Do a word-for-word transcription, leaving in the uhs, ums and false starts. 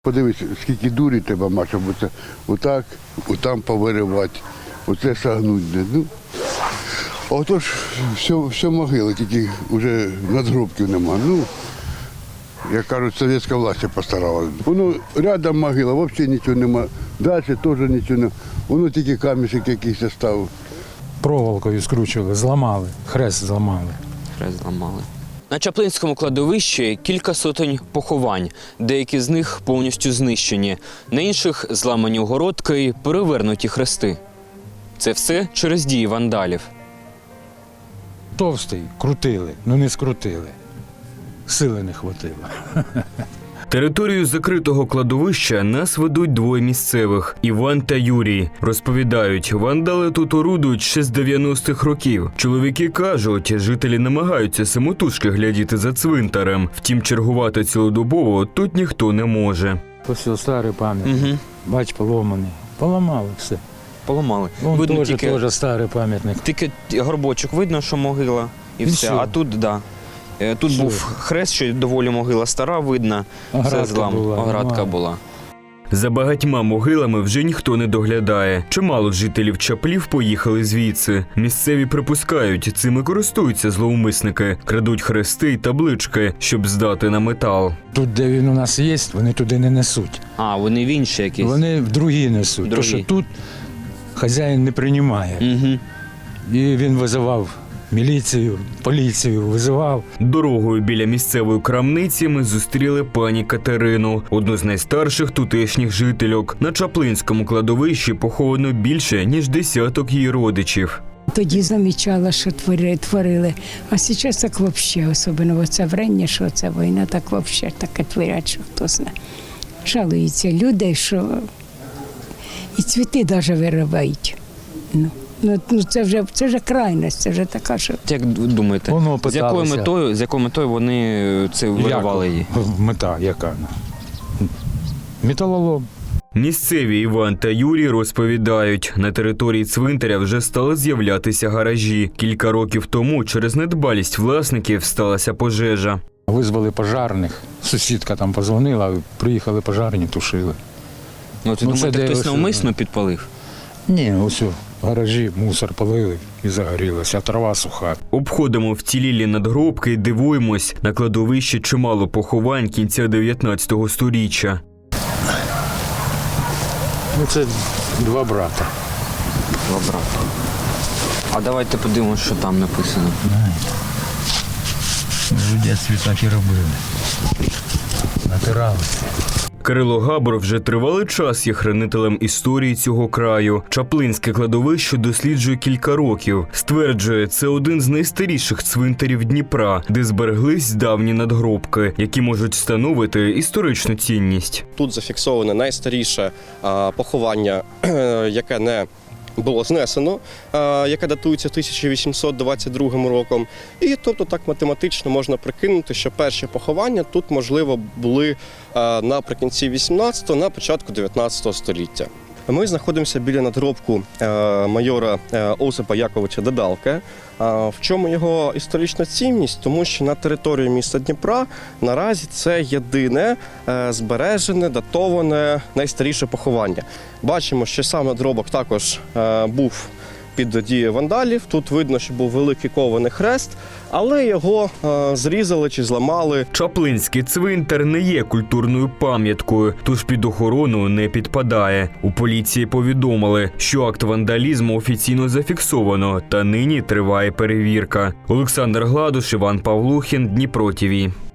Подивись, скільки дурі треба мати, щоб оце отак, отам повиривати, оце сагнуть. Ну, отож, все, все могили, тільки вже надгробків нема. Ну, як кажуть, совєтська власть постаралась. Воно рядом могила, взагалі нічого нема. Далі теж нічого нема. Воно тільки камішек якийсь став. Проволокою скручували, зламали, хрест зламали. Хрест зламали. На Чаплинському кладовищі кілька сотень поховань, деякі з них повністю знищені, на інших зламані огородки і перевернуті хрести. Це все через дії вандалів. Товстий, крутили, ну не скрутили. Сили не хватило. Територію закритого кладовища нас ведуть двоє місцевих – Іван та Юрій. Розповідають, вандали тут орудують ще з дев'яностих років. Чоловіки кажуть, жителі намагаються самотужки глядіти за цвинтарем. Втім, чергувати цілодобово тут ніхто не може. Ось старий пам'ятник. Угу. Бач, поломаний. Поламали все. Поламали. Вон Видно теж, тільки, теж старий пам'ятник. тільки горбочок видно, що могила і, І все. все. А тут, так. Да. Тут Все. був хрест, що доволі могила стара, видно. Оградка Це злам. була, Оградка нема. була. За багатьма могилами вже ніхто не доглядає. Чимало жителів Чаплів поїхали звідси. Місцеві припускають, цими користуються зловмисники. Крадуть хрести й таблички, щоб здати на метал. Тут, де він у нас є, вони туди не несуть. А, вони в інші якісь? Вони в другі несуть. Другі. Тому що тут хазяїн не приймає. Угу. І він визивав міліцію, поліцію, визивав. Дорогою біля місцевої крамниці ми зустріли пані Катерину, одну з найстарших тутешніх жительок. На Чаплинському кладовищі поховано більше, ніж десяток її родичів. Тоді замічала, що творили, творили. А зараз так взагалі, особливо це врення, що це війна, так взагалі таке творять, що хто знає. Жалуються люди, що і цвіти навіть виривають. Ну. Ну, ну це вже це вже крайність, це вже така, що. Як думаєте, Воно з якою питалося. метою, з якою метою вони це виривали її? Як? Мета яка? Металолом. Місцеві Іван та Юрій розповідають, на території цвинтаря вже стали з'являтися гаражі. Кілька років тому через недбалість власників сталася пожежа. Визвали пожарних. Сусідка там позвонила, приїхали пожарні, тушили. Ну, ти Ну, думаєте, це де хтось ось, навмисно підпалив? Ні, ось у гаражі мусор полили і загорілося, а трава суха. Обходимо вцілілі надгробки і дивуємось, на кладовищі чимало поховань кінця дев'ятнадцятого сторіччя. Ну це два брата. Два брата. А давайте подивимося, що там написано. В дитинстві так і робили. Натиралися. Кирило Габор вже тривалий час є хранителем історії цього краю. Чаплинське кладовище досліджує кілька років. Стверджує, це один з найстаріших цвинтарів Дніпра, де збереглись давні надгробки, які можуть становити історичну цінність. Тут зафіксоване найстаріше а, поховання, яке не було знесено, а, яке датується тисяча вісімсот двадцять другим роком. І тобто так математично можна прикинути, що перші поховання тут, можливо, були а, наприкінці вісімнадцятого, на початку дев'ятнадцятого століття. Ми знаходимося біля надгробку е, майора е, Осипа Яковича Дедалка. Е, в чому його історична цінність? Тому що на території міста Дніпра наразі це єдине е, збережене, датоване, найстаріше поховання. Бачимо, що сам надгробок також е, був під дією вандалів. Тут видно, що був великий кований хрест, але його е, зрізали чи зламали. Чаплинський цвинтар не є культурною пам'яткою, тож під охорону не підпадає. У поліції повідомили, що акт вандалізму офіційно зафіксовано, та нині триває перевірка. Олександр Гладуш, Іван Павлухін, Дніпро ТІВІ.